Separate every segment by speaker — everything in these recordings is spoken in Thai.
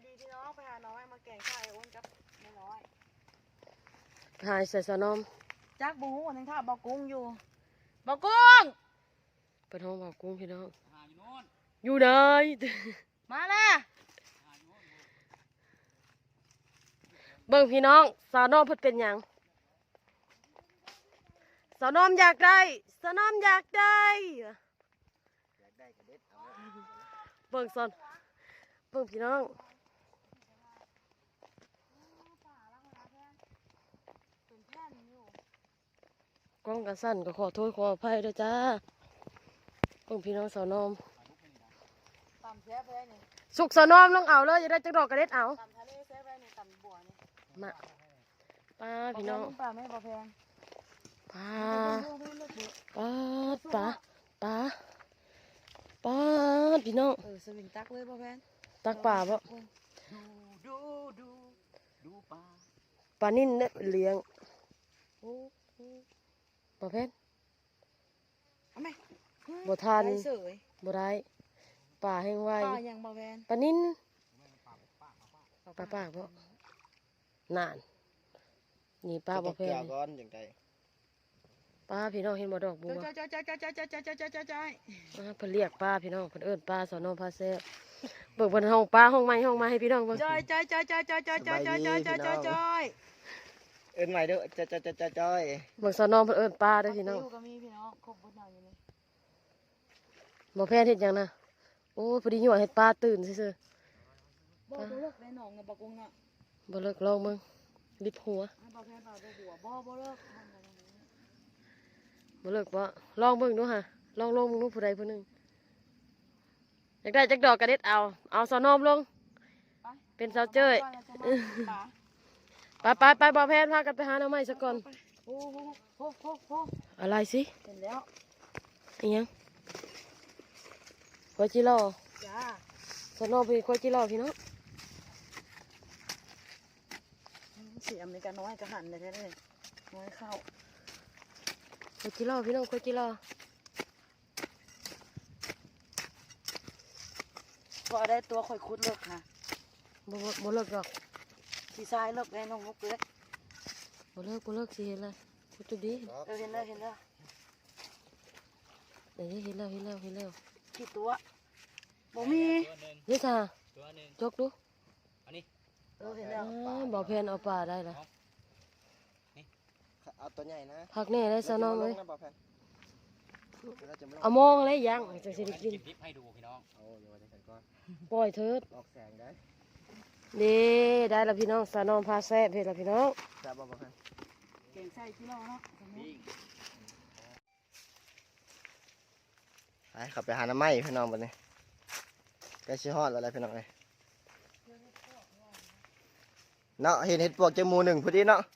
Speaker 1: ดีพี่น้องไปหาน้อยมาแกงไข่อ้วนกับไม่น้อย
Speaker 2: หายใส่สนม
Speaker 1: จักบูหูนึงท่าบอกกุ้งอยู่บอกกุ้ง
Speaker 2: เป็นห้องบ่าวกุ้งพี่น้องอยู่ไหน
Speaker 1: มาแล้ว
Speaker 2: เบิ่งพี่น้องสาวนอมเพิ่นเป็นหยังสาวนอมอยากได้สาวนอมอยากได้เบิ่งซอนเบิ่งพี่น้องกล้องกระสั่นก็ขอโทษขออภัยด้วยจ้าเบิ่งพี่น้องสาวนอม
Speaker 1: ตำแซ่บเลยนี่
Speaker 2: สุกสาวนอมลงเอาเลยจะได้จักดอกกระเด็ดเอา
Speaker 1: ตำทะเลแซ่บเลยนี่ตำบัวนี่
Speaker 2: มาป้าพี่น้อง
Speaker 1: ปลาไม่ปลาแพง
Speaker 2: ป้าป้าป้าป้าพี่น้อง
Speaker 1: สวิงตักเลยปลาแพง
Speaker 2: ตักป่าบ่
Speaker 1: ดูปลา
Speaker 2: ปลานิ่นเนี่ยเลี้ยงปลาเพชร
Speaker 1: เอาไหม
Speaker 2: บ่ทาน
Speaker 1: เสย
Speaker 2: บ่ได้ป่าแห้งไว
Speaker 1: ปลาอย่างปลาแพง
Speaker 2: ปลานิ่นปลาปากบ่นานนี่ปลาบ่แพง
Speaker 3: ก้อนอย่างไร
Speaker 2: ปลาพี่น้องเห็นบ่ดอกบัว
Speaker 1: จ้อย
Speaker 2: เพิ่นเรียกปลาพี่น้องเพิ่นเอิ้นปลาสอนอพาแซ่บเบิกเพิ่นห้องปลาห้องไม้ห้องมาให้พี่น้องเบิ่ง
Speaker 1: จ้อย
Speaker 3: เอิ้นใหม่เด้อจ้อย
Speaker 2: เบิ่งสอนอเพิ่นเอิ้นปลาเด้อพี่น้อง
Speaker 1: ก็มีพี่น้องครบหมดอยู่นี่
Speaker 2: บ่แพนเฮ็ดหยังนะโอ้พอดียั่วเฮ็ดปลาตื่นซื่อ
Speaker 1: บ่เลิกในหนองกับปลากุ้งน่ะ
Speaker 2: ๆบ่เลิกลองมึงลิบหัว
Speaker 1: ปลาแพงปลาหัวบ่เลิก
Speaker 2: บ่เลิกบ่ลองเบิ่งดูฮะลองลงมึงดูผู้ใดผู้หนึงอยากได้จักดอกกระเด็ดเอาสอนอมลงเป็นสาวเจ้ยไปบ่แพนพากันไปหาหน่อไม้ซะก่อน
Speaker 1: โอ้โห
Speaker 2: อะไรสิ
Speaker 1: เห็นแล้ว
Speaker 2: อีหยังควายจิรอ
Speaker 1: จ้า
Speaker 2: สอนอไปควายจิรอพี่น้อง
Speaker 1: เสียมในการน้อยกระหันเลยแท้เลยน้อยเข้า
Speaker 2: ควายจิรอพี่น้องควายจิรอ
Speaker 1: พอได้ตัวข่อยคุดเลิกค่ะ
Speaker 2: บ่เลิกดอก
Speaker 1: สีทรายเลิกแน่น้องมุกเลย
Speaker 2: บ่เลิกสิเห็นเลยคุดจุดดี
Speaker 1: เห็นแล้ว
Speaker 2: เดี๋ยวนี้เห็นแล้ว
Speaker 1: กี่ตัวบ่มี
Speaker 2: เดี๋ยวจ้าจกดู
Speaker 1: เห็นแล้ว
Speaker 2: บ่แพนเอาปลาได้ละ
Speaker 3: เอาตัวใหญ่นะ
Speaker 2: พักแน่ได้สอนอมเลย
Speaker 3: เราจะไม่
Speaker 2: เอามองอะไรยังจังสิได้กิน
Speaker 4: คลิปให้ดูพี่น้อง
Speaker 3: เอาอยู่ในกันก้อน
Speaker 2: ปล่อยเถิด
Speaker 3: ออกแสงได้
Speaker 2: นี่ได้ละพี่น้องสานอมพาแซ่บเฮ็ดละพี่น้อง
Speaker 3: แซ่บบ่บ่ครับ
Speaker 1: เก่งใส่ที่เราเนาะ
Speaker 3: ไปขับไปหาน้ำไม้พี่น้องบัดนี้ใกล้ชิฮอดแล้วอะไรพี่น้องเอ้ยเนาะเห็นเห็ดปวกจมูกหนึ่งพอดีเนาะ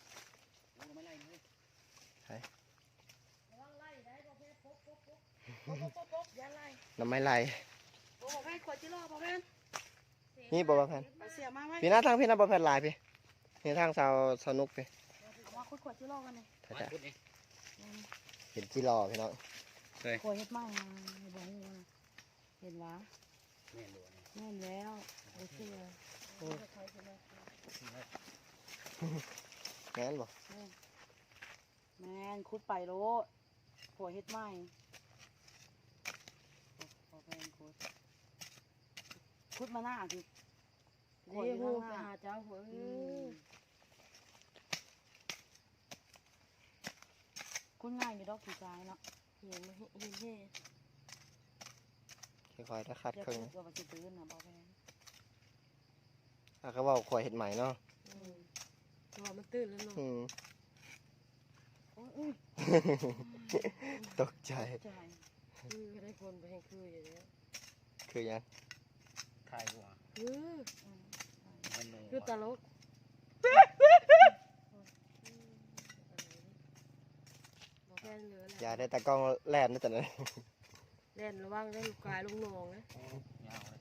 Speaker 3: น้ำไม้ไหล
Speaker 1: บ่แพงขวดที่รอบ่แพง
Speaker 3: นี่บ่บ่แพน
Speaker 1: เสียมาไหม
Speaker 3: พี่หน้าทางพี่หน้าบ่แพนหลายพี่นี่ทางสาวนุกพี่
Speaker 1: มาขวดที่รอกันเลย
Speaker 3: ถ้าจะเห็นจีรอพี่น้อง
Speaker 1: ขวดเฮ็ดไม้บ่ฮู้เห็นวะแม่นแล้วโอเค
Speaker 3: แม่นบ่
Speaker 1: แม่นคุดไปโลขวดเฮ็ดไม้คุดมาหน้าสิ
Speaker 2: เดี๋ยวฮู้ไปหาเจ้าหัว
Speaker 1: คุณง่ายอยู่ดอกผีซ้ายเนาะ
Speaker 2: เห็นมั้ยเฮ้
Speaker 3: ค่อยๆถ้าคัด
Speaker 1: เดี๋ยว
Speaker 3: ครึ่ง
Speaker 1: ก็ว่าสิตื่นน่ะบ่แพง
Speaker 3: เขาบอกขวายเห็ดใหม่เนาะ
Speaker 2: ตัวมันตื่นแล้วเนาะ
Speaker 1: อุ้ย
Speaker 3: ตกใจ
Speaker 1: ใจ
Speaker 2: ก็ได้คนไปให้คืออยู่แล้ว
Speaker 3: คือยัง
Speaker 4: ถ่ายหัว
Speaker 2: คือตลกบ่แพนเหลือ
Speaker 3: อย่าได้ตากล้องแล่นนะแต่นั้น
Speaker 2: เล่นระวังได้ลูกกายลูกน้องนะ
Speaker 4: ยาวเลย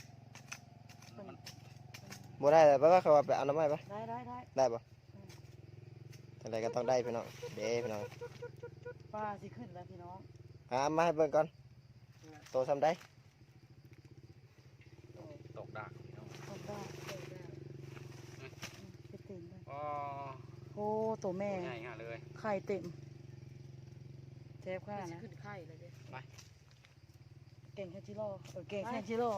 Speaker 3: บ่ได้เลยเพราะว่าเขาว่าไปเอาน้ำไม้ปะ
Speaker 1: ได้
Speaker 3: ได้ปะอะไรก็ต้องได้พี่น้องเด้พี่น้อง
Speaker 1: ป้าสิขึ้นแล้วพี่น้อง
Speaker 3: มาให้เบิ่งก่อนโตทำได้
Speaker 4: ตกดักพี่น้อง
Speaker 1: ทำได้
Speaker 4: อ๋อ
Speaker 1: โอ้ตัวแม่
Speaker 4: ง่ายๆเลย
Speaker 1: ไข่เต็มเจ็บขนาด
Speaker 2: สิ
Speaker 1: นะ
Speaker 2: ขึ้นไข่เลยเด้
Speaker 1: เก่งแค่จิโร่เก่งแค่จิโร่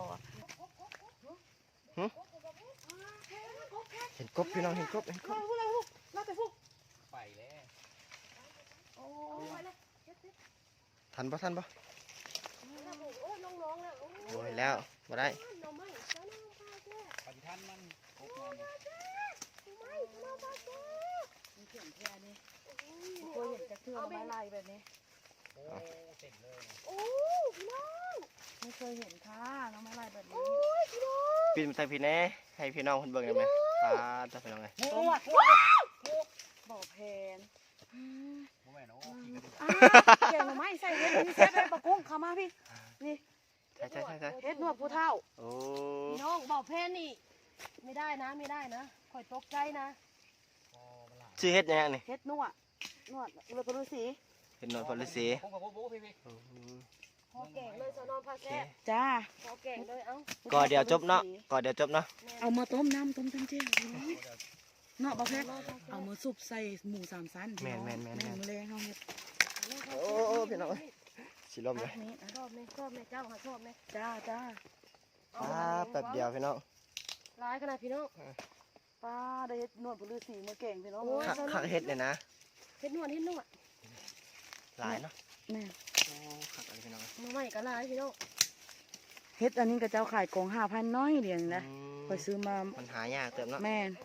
Speaker 3: เห็นกบพี่น้องเห็นกบเห็นกบ
Speaker 1: เราไปฟุก
Speaker 4: ไปแล้ว
Speaker 1: โอ้ย
Speaker 3: ทันปะทันปะ
Speaker 2: โอ้ยน้องๆแล้วโอ้ย
Speaker 3: โอ้ยแล้วมาได้
Speaker 2: หน่อไม้เจ้าน้องพาแก่
Speaker 4: ปฏิทันมันครบมัน
Speaker 2: หน่อไม้เจ้าน้องพาแก่
Speaker 1: มีเข็มแค่นี้เคยเห็นแต่เครื่องไม้ลายแบบนี้
Speaker 4: โอ้เต็มเลย
Speaker 2: โอ้พี่น้อง
Speaker 1: ไม่เคยเห็นค่ะน้องไม้ลายแบบนี้
Speaker 2: โอ้ยพี่น้อง
Speaker 3: ปิดมาใส่พี่แน่ให้พี่น้องคนเบิ่งได้ไหมตาจะพี่น้องไง
Speaker 1: ต้มบ่อแพน
Speaker 4: โอ้แม่เนาะขี่กันดู
Speaker 1: เก่งหรือไม่ใส่เห็ดนี่เซฟเลยปะกุ้งเข้ามาพี่นี่
Speaker 3: ใช่ใช่ใช่ใช่
Speaker 1: เฮ็ดนวดผู้เฒ่า
Speaker 3: โอ้
Speaker 2: พี่น้องบอกเพนนี่ไม่ได้นะไม่ได้นะข่อยตกใจนะ
Speaker 4: พอมันหลาย
Speaker 3: ชื่อเฮ็ดยังไงนี่
Speaker 1: เฮ็ดนวดเรือปรุสี
Speaker 3: เฮ็ดนวลพลฤาษี
Speaker 4: พงกับพวกพี่
Speaker 3: อืม
Speaker 2: พอแก่งเลยสนอนพา
Speaker 3: โอเค
Speaker 2: แก่
Speaker 1: จ้า
Speaker 2: พอแก่งเลยเอ้า
Speaker 3: ก่อนเดี๋ยวจบเนาะก่อนเดี๋ยวจบเนาะ
Speaker 1: เอามาต้มน้ำต้มเจ้าเนาะบ่แพ้เอามาซุปใส่หมูสามชั้นแม่นแรงเฮาเฮ็ด
Speaker 3: โอ้โอ้พี่น้องสิลมเลย
Speaker 1: นี้
Speaker 2: ชอบไหมชอบไหมเจ้าค่ะชอบไหม
Speaker 1: จ้าจ้า
Speaker 3: แป๊บเดียวพี่น้อง
Speaker 2: ร้ายขนาดพี่น้อง
Speaker 1: ป้าได้เฮ็ดนวดปรุสีมาเก่งพี่น้อง
Speaker 3: คักเฮ็ดเลยนะ
Speaker 2: เฮ็ดนวดเฮ็ดนวด
Speaker 3: หลายเนาะ
Speaker 1: แม่
Speaker 3: โอ้คักอะไรพี่น้อง
Speaker 2: มาใหม่ก็ร้ายพี่น้อง
Speaker 1: เฮ็ดอันนี้ก็เจ้าขายกล่อง5,000น้อยเดียวนะ
Speaker 3: อืม
Speaker 1: ไปซื้อมา
Speaker 3: มันหายากเติมเนาะ
Speaker 1: แม่น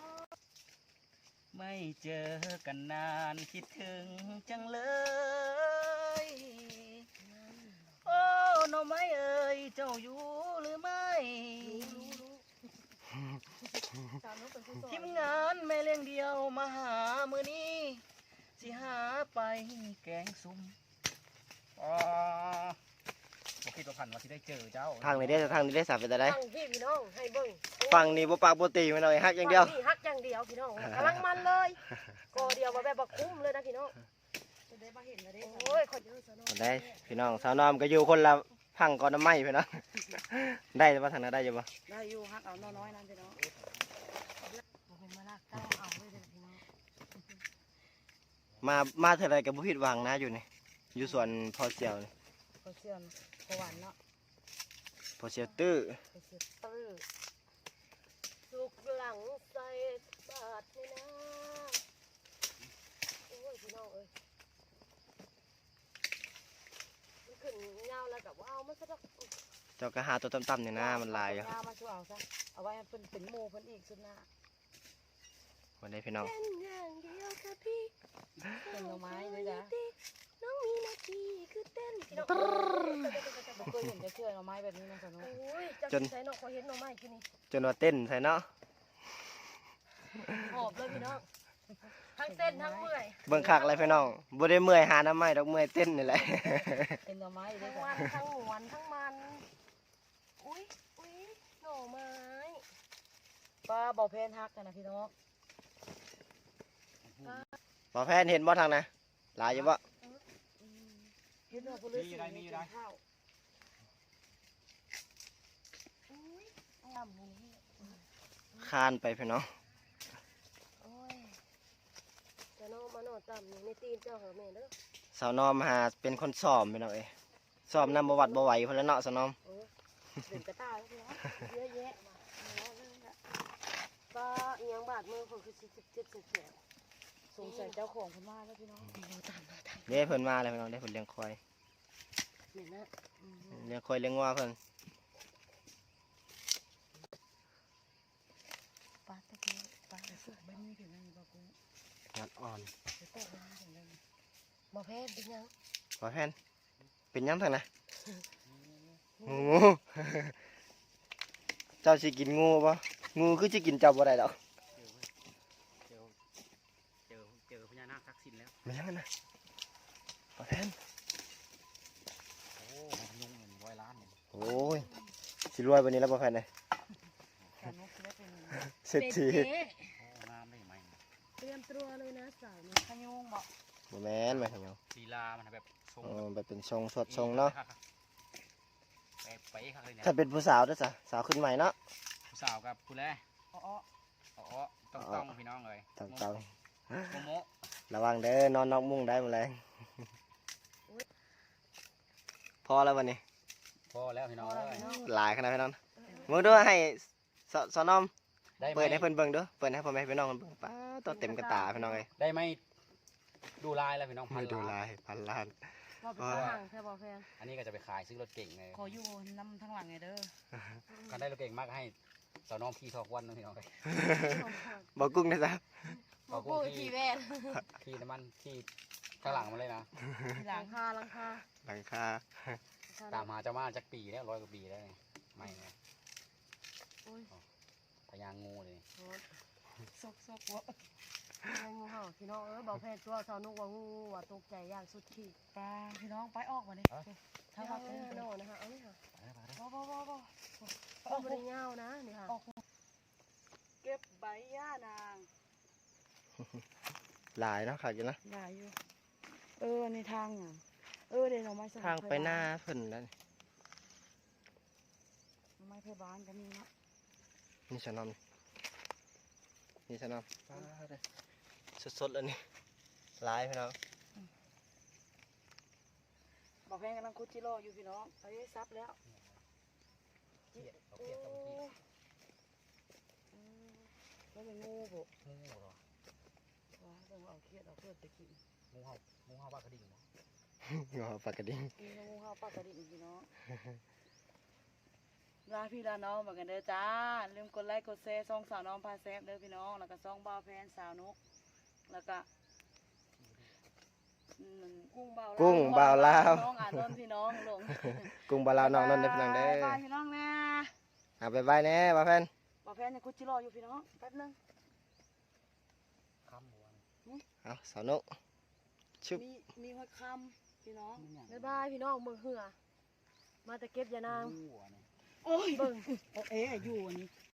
Speaker 4: ไม่เจอกันนานคิดถึงจังเลย โอ้หน่อไม้เอ่ยเจ้าอยู่หรือไม่
Speaker 2: ตามน้องเป็นผู้สอน
Speaker 4: ทีมงานแม่เลี้ยงเดียวมาหามือนี้สิหาไปแกงซุ่มอ๋อบ่คิดว่าพันว่าสิได้เจอเจ้า
Speaker 3: ทางนี้ได้ทางนี้ได้สับไปแต่ได้
Speaker 2: ฟังพี่พี่น้องให้เบิ่ง
Speaker 3: ฝั่งนี้บ่ปากบ่ตีพี่น้องฮักอย่างเดียว
Speaker 2: ฝั่พี่ฮักอย่างเดียวพี่น้องกำลังมันเลยก็เดียวมาแบบบักคุ้มเลยนะพี่น้อง
Speaker 1: จะได้มาเห็นแล้วได้
Speaker 2: โอ้ยขอเยอะสนอ
Speaker 3: ได้พี่น้องสาวนอมก็อยู่คนละพังก่อนน้ำไม้พี่น้อง ได้ป่ะทางนั้นได้อยู่ป่ะ
Speaker 1: ได้อยู่ฮักเอาน้อยๆนั่นพี่น้อง
Speaker 2: บ่เป็นมาลากเต้าเอาเลยเด้อพี่น้อง
Speaker 3: มาเท่าไรกับบุผิดหวังนะอยู่นี่อยู่สวนพอเสียวนี่
Speaker 1: ก็เสื่อมก็หวานเนาะ
Speaker 3: พอเสียวตื้อ
Speaker 2: ไปเสียตื้อสุกหลังใส่บาทนี่นะโอ้ยพี่น้องเอ้ยมันขึ้นยาวแล้วกับว่าเอามันซะดอก
Speaker 3: เจ้าก็หาตัวต่ำๆเนี่ยนะมันลายอยู่
Speaker 1: เอามาช่วยเอาซะเอาไว้ให้เพิ่นเป็นหมู่เพิ่นอีกสุดหน้า
Speaker 3: วันนี้พี่น้อง
Speaker 2: เป็นอย่างเดียวค่ะพี่
Speaker 1: เป็นหน่อไม้ด้วยจ้ะ
Speaker 2: น้องมีหน้าที่คือเต้นพี่น้อง
Speaker 1: บ่เคยเห็นจะเชื่อหน่อไม้แบบนี้นะสนุก
Speaker 2: โอ้ยเจ้าสิใส่เนาะขอเห็นหน่อไม้ที่นี่
Speaker 3: จนว่าเต้นใส่เนาะ
Speaker 2: หอบเลยพี่น้องทั้งเต้นทั้งเมื่อย
Speaker 3: เบิ่งคักอะไรพี่น้องบ่ได้เมื่อยหาน้ำไม้ดอกเมื่อยเต้นนี่แหละ
Speaker 1: เป็นหน่อไม้ด้
Speaker 2: ทั้
Speaker 1: วย
Speaker 2: ง
Speaker 1: จ้ะ
Speaker 2: วันทั้งหมวนทั้งมันอุ้ยอุ้ยหน่อไม้
Speaker 1: ป้าบ่เพนฮักกันนะพี่น้อง
Speaker 3: หมอแพนเห็นบ่ทางนะหลายอยู่บ่
Speaker 1: เฮ็ดเนื้อปรุสีมีข้าว
Speaker 2: อุ้ยต่ำนี่
Speaker 3: คานไปพี่น้อง
Speaker 2: โอ้ยจะนอนมาโนอนต่ำนี่ในตีนเจ้าเหรอแม่เด้อ
Speaker 3: สาวนอมหาเป็นคนซ้อมพี่น้องเอ้ยซ้อมนำบ่หวัดบ่ไหวพุ่นแล้วเนาะสาวนอม
Speaker 2: เออเดินกระต่ายแล้วพี่น้องเยอะแยะมาเอาเลยละป้าเอียงบาดมือคนคือสิเจ็บแสบ
Speaker 1: สงสัยเจ้าของเพิ่นมาแล้วพี่น้อง
Speaker 3: เด้เพิ่นมาแล้วพี่น้องได้เพิ่นเลี้ยงควาย
Speaker 2: เนี่ยนะ
Speaker 3: เลี้ยงควายเลี้ยงวัวเพิ่น
Speaker 2: ป้าตะกี้ป้า
Speaker 1: แต่สุกแบบนี้ถึงได้บ่กุ้ง
Speaker 3: งัดอ่อน
Speaker 1: ไปตกมันถึงได้
Speaker 2: บ่แพ้เป็นยัง
Speaker 3: หมอแพนเป็นหยังทางนะงู เจ้าสิกินงูบ่งูคือสิกินเจ้าบ่ได้ดอก
Speaker 4: เจอพญานาคทักษิณแล้ว
Speaker 3: ไม่ยังนะหมอแพน
Speaker 4: โอ้มันยุ่งเงิน100 ล้านเนี่ย
Speaker 3: โอ้ยสิรวยวันนี้แล้วหมอแพนเลย
Speaker 1: การนกสิได้เป็น
Speaker 3: เศรษฐี
Speaker 4: โอ้งามได้ไหม
Speaker 2: เตรียมตัวเลยนะสาวนี่
Speaker 1: ขยุงบ่
Speaker 3: บ่แม่นไม่ขยัน
Speaker 4: ลีลามันแบบทรง
Speaker 3: แบบเป็นทรงสดทรงเนาะ
Speaker 4: ไปครับเลยเนี่ย
Speaker 3: ถ้าเป็นผู้สาวเด้อจ้ะสาวขึ้นใหม่เนาะ
Speaker 4: ผู้สาวกับผู้แล
Speaker 1: อ๋อ
Speaker 4: อ๋อต้องพี่น้องเลย
Speaker 3: ต้อง
Speaker 4: โมโม
Speaker 3: ระวังเด้อนอนนอกมุ้งได้หมดเลยพอแล้ววันนี้
Speaker 4: พอแล้วพี่น้องเลย
Speaker 3: หลายขนาดพี่น้องมึงด้วยให้สอนอม
Speaker 4: ได้ไหม
Speaker 3: เปิดให้เพิ่นเบิ่งด้วยเปิดให้พ่อแม่พี่น้องเบิ่งป้าตัวเต็มกระตาพี่น้องเลย
Speaker 4: ได้ไหมดูลายแล้วพี่น้อง
Speaker 3: ไม่ดู
Speaker 4: 1,000
Speaker 3: ลายพันล้าน
Speaker 2: ว่าเป็นทางแค่บ่แพง
Speaker 4: อันนี้ก็จะไปขายซื้อรถเก่งเลย
Speaker 1: ขออยู่น้ำทั้งหลังไงเด้อ
Speaker 4: กันได้รถเก่งมากให้สาวน้องพี่ทอกวันนะพี่น้องเลย
Speaker 3: บอกกุ้งนะจ๊ะ
Speaker 2: บ่กูขี่แวน
Speaker 4: ขี่น้ำมันขี่ข้างหลังมาเลยนะ
Speaker 1: ทีห
Speaker 2: ห
Speaker 1: ลั
Speaker 2: ลั
Speaker 1: ง
Speaker 2: งคาหลังคา
Speaker 3: หลังคา
Speaker 4: ตามหาเจ้ามาจากปีแล้ว100 กว่าปีแล้วนี่ไม่นะ
Speaker 2: โอ้ย
Speaker 4: พญางูเลย
Speaker 1: ซกวะ
Speaker 2: ให้งูเห่าพี่น้องบ่แพงตัวสาวนุกว่างูว่าตกใจอย่างสุดขีด
Speaker 1: ปลาพี่น้องไปออกมาเนี่ยถ้า
Speaker 2: ถ้า
Speaker 1: ว่า
Speaker 2: ว่า
Speaker 1: เป็น
Speaker 2: โน่นะคะเอาเลยค่ะ
Speaker 1: บ่
Speaker 2: เอาบ่ได้ยาวนะนี่ค่ะ
Speaker 1: เก็บใบย่านาง
Speaker 3: หลายเนาะขาดอยู่นะ
Speaker 1: ได้อยู่ในทางอ่ะเดี๋ยวเราไม่
Speaker 3: ทางไปหน้าเพิ่นนั่น
Speaker 1: ไม่เพบ้านก็มีเนาะ
Speaker 3: นี่สอนอมนี่สอนอมสดๆเลยนี่หลายพี่น้อง
Speaker 1: บอกแพงกำลังคุดจิโร่อยู่พี่น้องซับแล้ว
Speaker 4: เขียดเอาเขียดกับเขียด
Speaker 1: แล้วเป็นงูบุ
Speaker 4: งูเหรอ
Speaker 1: ว้าต้องเอาเครียดเอาเพื่อนไปกิน
Speaker 4: งูเห่าบ้ากระดิ่งเหรอ
Speaker 3: งอปากกระดิ่ง
Speaker 1: กินงูเข้าปากกระดิ่งพี่น้องลาพี่ลาน้องเหมือนกันเด้อจ้าลืมกดไลค์กดแชร์ซองสาวน้องพาแซฟเด้อพี่น้องแล้วก็ซองบ่าวแพนสาวนุกแล้วก็กุ้งบ่าวลาวน้องอ่านนนพี่น้องลง
Speaker 3: กุ้งบาลาวนอกนั่นเด้อพี่น้องเด้อ
Speaker 1: บ๊ายบายพี่น้องนะ
Speaker 3: เอาไปบายแน่บ่าแฟน
Speaker 1: บ่าวแพนยังคุดจิโร่อยู่พี่น้องแป๊บนึง
Speaker 4: คำบัว
Speaker 3: เอาสาวนุชุบ
Speaker 1: มีหัวคำพี่น้อง
Speaker 2: บ๊ายบายพี่น้องเบิ่งเหือมาแต่เก็บยานาง
Speaker 4: งูอ่ะเนี่ย
Speaker 1: โอ้ย
Speaker 2: เบิ่ง
Speaker 1: อยู่อันนี้